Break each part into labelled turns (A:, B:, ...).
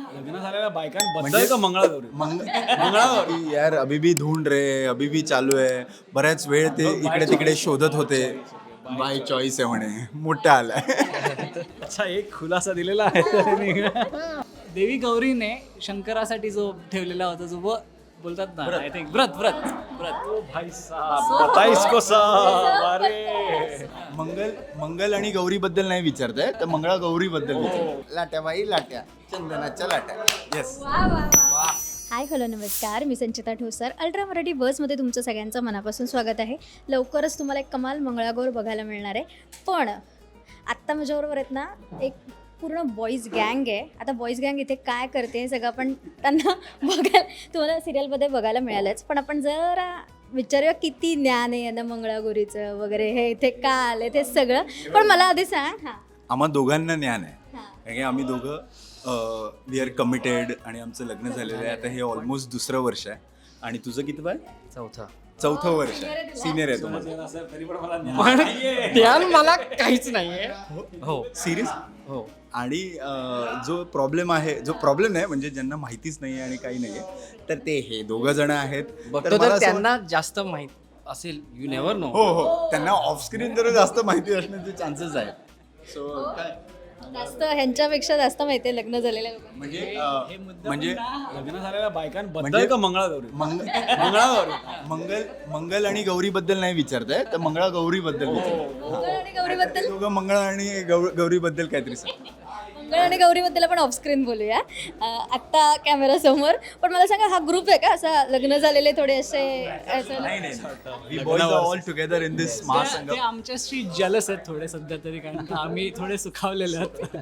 A: लग्न झालेल्या बायकांबद्दल का मंगळागौरी?
B: मंगळागौरी यार अभी भी ढूंढ रे अभी भी चालू आहे. बऱ्याच वेळ ते इकडे तिकडे शोधत होते. बाय चॉईस आहे म्हणे. मोठा आलाय.
A: अच्छा, एक खुलासा दिलेला आहे त्यांनी.
C: देवी गौरीने शंकरासाठी जो ठेवलेला होता जो बोलतात ना, आय थिंक व्रत व्रत व्रत
A: ओ भाई साहब, बताइस को साहब. अरे
B: मंगल आणि गौरी बद्दल नाही विचारताय तर मंगळागौरी बद्दल लाट्या बाई लाट्या चंदनाच्या लाट्या. येस.
D: हाय हॅलो नमस्कार, मी संचिता ठोसर. अल्ट्रा मराठी बसमध्ये तुमचं सगळ्यांचं मनापासून स्वागत आहे. लवकरच तुम्हाला एक कमाल मंगळागौर बघायला मिळणार आहे. पण आत्ता माझ्याबरोबर आहेत ना एक पूर्ण बॉईज गँग आहे. आता बॉईज गँग इथे काय करते हे सगळं आपण त्यांना बघायला तुम्हाला सिरियलमध्ये बघायला मिळालंच. पण आपण जरा विचारूया किती ज्ञान आहे यांना मंगळागौरीचं वगैरे, हे इथे का आलं ते सगळं. पण मला आधी सांग. हां
B: आम्हा दोघांना ज्ञान आहे.
D: हां
B: कारण की आम्ही दोघं वी आर कमिटेड आणि आमचं लग्न झालेलं आहे. आता हे ऑलमोस्ट दुसरं वर्ष आहे. आणि तुझं किती बाय? चौथं वर्ष आहे. सिनियर आहे तुम्हाला.
A: तरी पण मला ज्ञान नाहीये.
C: ध्यान मला काहीच नाहीये.
B: हो सिरियस.
C: हो
B: आणि जो प्रॉब्लेम नाही म्हणजे ज्यांना माहितीच नाही आणि काही नाही आहे तर ते हे दोघं जण आहेत.
E: बघतो
B: मला
E: तर
B: असं
E: त्यांना जास्त माहित असेल. You never know.
B: हो त्यांना ऑफस्क्रीन जरा जास्त माहिती असण्याचे चान्सेस आहेत. सो काय
D: जास्त ह्यांच्यापेक्षा जास्त माहिती आहे लग्न झालेल्या लोकांना.
B: म्हणजे
A: लग्न झालेल्या बायकांबद्दल का मंगळागौरी?
B: मंगल आणि गौरी बद्दल नाही विचारताय तर मंगळागौरी बद्दल
D: मंगळ आणि गौरीबद्दल
B: दोघं मंगळ आणि गौरी बद्दल काहीतरी सांग.
D: मंगळ आणि गौरीबद्दल आपण ऑफस्क्रीन बोलूया आत्ता कॅमेरा समोर. पण मला सांगा, हा ग्रुप आहे का असा लग्न झालेले थोडे असे
B: We boys are all together in this
C: ते
B: महासंगम.
C: आमच्याशी जलस आहेत थोडे सध्या तरी, कारण का आम्ही थोडे सुखावलेले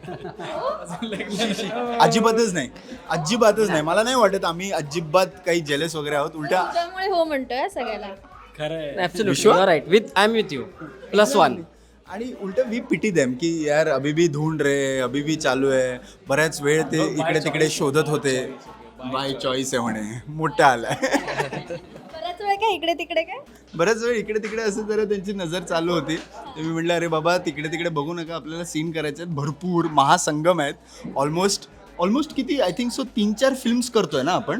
C: आहोत.
B: अजिबातच नाही. मला नाही वाटत आम्ही अजिबात काही जेलस वगैरे आहोत. उलटा
D: त्यामुळे हो म्हणतोय सगळ्याला.
A: खरं आहे.
E: Absolutely you are right. With I am with you +1.
B: आणि उलट वी पिटी देम की यार अभी भी ढूंढ रे अभी भी चालू आहे. बऱ्याच वेळ ते इकडे तिकडे शोधत होते. बाय चॉईस आहे म्हणे. मोठा आलाय.
D: बऱ्याच वेळ काय इकडे तिकडे काय.
B: बऱ्याच वेळ इकडे तिकडे असं जरा त्यांची नजर चालू होती. तर मी म्हटलं अरे बाबा तिकडे तिकडे बघू नका, आपल्याला सीन करायचे आहेत. भरपूर महासंगम आहेत. ऑलमोस्ट किती आय थिंक सो 3-4 फिल्म्स करतोय ना आपण.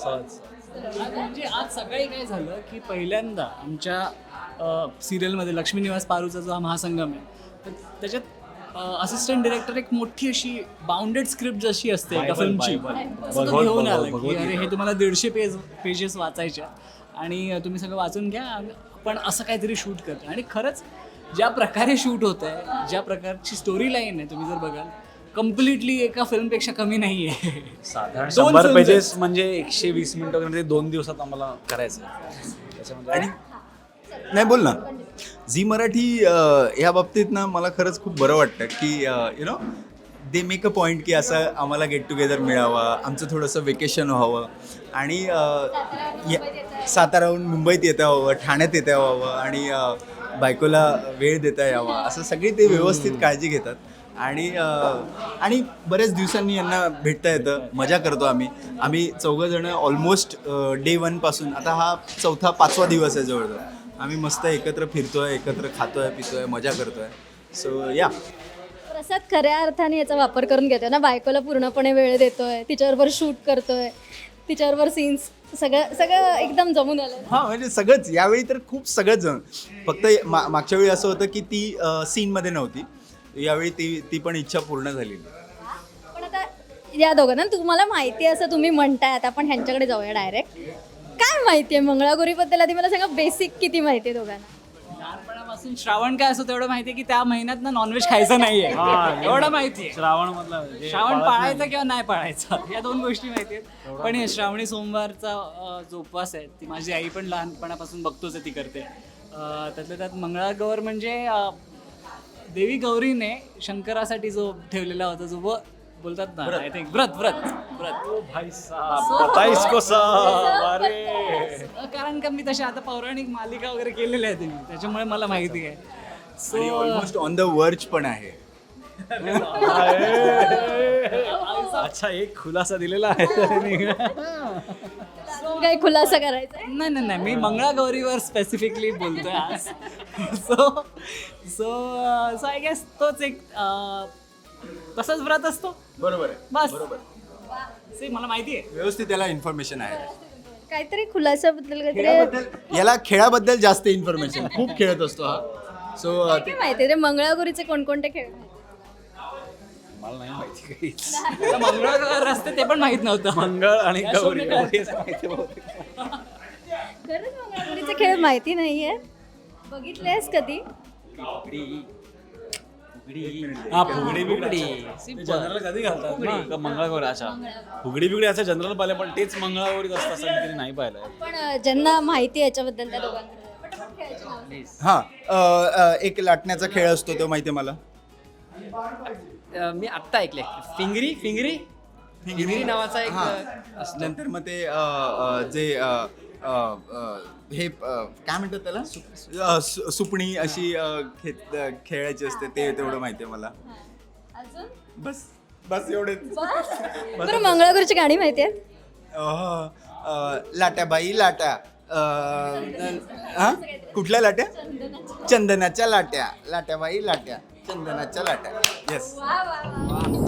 C: म्हणजे आज सकाळी काय झालं की पहिल्यांदा आमच्या सिरियलमध्ये लक्ष्मी निवास पारूचा जो हा महासंगम आहे तर त्याच्यात असिस्टंट डिरेक्टर एक मोठी अशी बाउंडेड स्क्रिप्ट जशी असते एका फिल्मची तसं तो घेऊन आला की अरे हे तुम्हाला 150 पेजेस वाचायच्या आणि तुम्ही सगळं वाचून घ्या, पण असं काहीतरी शूट करतो. आणि खरंच ज्या प्रकारे शूट होत आहे, ज्या प्रकारची स्टोरी लाईन आहे, तुम्ही जर बघाल कम्प्लिटली एका फिल्मपेक्षा कमी नाही आहे.
A: साधारण
C: दोन
A: 100
C: films
A: पेजेस म्हणजे 120 मिनिटं वगैरे ते 2 दिवसात आम्हाला करायचं त्याच्यामध्ये.
B: आणि नाही बोल ना. झी मराठी ह्या बाबतीत ना मला खरंच खूप बरं वाटतं की you know they make a point की असं आम्हाला गेट टुगेदर मिळावं, आमचं थोडंसं वेकेशन व्हावं आणि साताराहून मुंबईत येता यावं, ठाण्यात येता यावं आणि बायकोला वेळ देता यावा, असं सगळी ते व्यवस्थित काळजी घेतात. आणि बऱ्याच दिवसांनी यांना भेटता येतं, मजा करतो आम्ही चौघंजणं ऑलमोस्ट डे 1 पासून. आता हा 4-5वा दिवस आहे जवळजवळ. आम्ही मस्त एकत्र फिरतोय, एकत्र खातोय पितोय, मजा करतोय. सो या
D: प्रसाद खऱ्या अर्थाने याचा वापर करून घेतोय ना. बायकोला पूर्णपणे वेळ देतोय, तिच्याबरोबर शूट करतोय, तिच्याबरोबर सीन्स सगळं एकदम जमून आलं.
B: हां म्हणजे सगळंच. यावेळी तर खूप सगळंच जण. फक्त मागच्या वेळी असं होतं की ती सीनमध्ये नव्हती. यावेळी ती पण इच्छा पूर्ण झालेली.
D: पण आता या दोघांना तुम्हाला माहिती आहे असं तुम्ही म्हणताय, आता आपण ह्यांच्याकडे जाऊया डायरेक्ट. काय माहिती आहे मंगळागौरीबद्दल? आधी मला सांगा, बेसिक किती माहिती आहे दोघांना?
C: लहानपणापासून श्रावण काय असतो तेवढं माहिती आहे की त्या महिन्यात ना नॉनव्हेज खायचं नाहीये, एवढं माहिती आहे.
A: श्रावण मधला
C: श्रावण पाळायचा किंवा नाही पाळायचा या 2 गोष्टी माहिती आहेत. पण हे श्रावणी सोमवारचा जो उपवास आहे ती माझी आई पण लहानपणापासून बघतोच आहे, ती करते. त्यातल्या त्यात मंगळागौर म्हणजे देवी गौरीने शंकरासाठी जो ठेवलेला होता जो बोलतात ना, आय थिंक व्रत व्रत व्रत.
A: ओ भाई साहब, बताइस को साहब. अरे
C: कारण का मी तशा आता पौराणिक मालिका वगैरे केलेल्या आहेत मी, त्याच्यामुळे मला माहिती आहे.
B: आणि ऑलमोस्ट ऑन द वर्च पण आहे.
A: अच्छा, एक खुलासा दिलेला आहे त्यांनी.
D: काही खुलासा करायचा आहे?
C: नाही मी मंगळागौरीवर स्पेसिफिकली बोलतोय आज. सो आय गेस तोच एक तसंच व्रत असतो.
B: बरोबर आहे.
C: बस.
B: बरोबर.
C: ते मला माहिती आहे.
B: व्यवस्थित त्याला इन्फॉर्मेशन आहे.
D: काहीतरी खुलासाबद्दल काहीतरी
B: खेळाबद्दल याला खेळाबद्दल जास्त इन्फॉर्मेशन, खूप खेळत असतो हा. सो
D: काय माहिती ते मंगळागौरीचे कोणकोणते खेळ माहिती?
A: मला नाही माहिती काहीच.
C: आता मंगळवार असते ते पण माहित नव्हतं.
A: मंगळ आणि
C: या
A: गौरी
C: शोने
A: एवढेच माहिती बहुतेक.
D: खरंच मंगळागौरीचे खेळ माहिती नाहीये. बघितलेस कधी?
A: हा फुगडी बिगडी जनरल कधी घालतात ना का मंगळागौरी. अच्छा फुगडी बिगडी असं जनरल पाहिलं पण तेच मंगळागौरीत असतं असं मी कधी नाही पाहिलंय.
D: पण ज्यांना माहिती आहे याच्याबद्दल त्या दोघांकडे पटापट खेळायची नावं.
B: हा एक लाटण्याचा खेळ असतो तो माहिती आहे मला.
E: मी आत्ता ऐकले फिंगरी फिंगरी फिंगरी नावाचा एक असतो.
B: नंतर मग ते जे हे काय म्हणतात त्याला सुपणी अशी खेळायची असते ते तेवढं माहिती आहे मला.
D: अजून
B: बस बस एवढे.
D: बरं मंगळागौरीची गाणी माहिती आहेत?
B: लाट्या बाई लाट्या हा कुठल्या लाट्या? चंदनाच्या लाट्या. लाट्या बाई लाट्या चंदनाच्या लाट्या. येस.
D: वा वा वा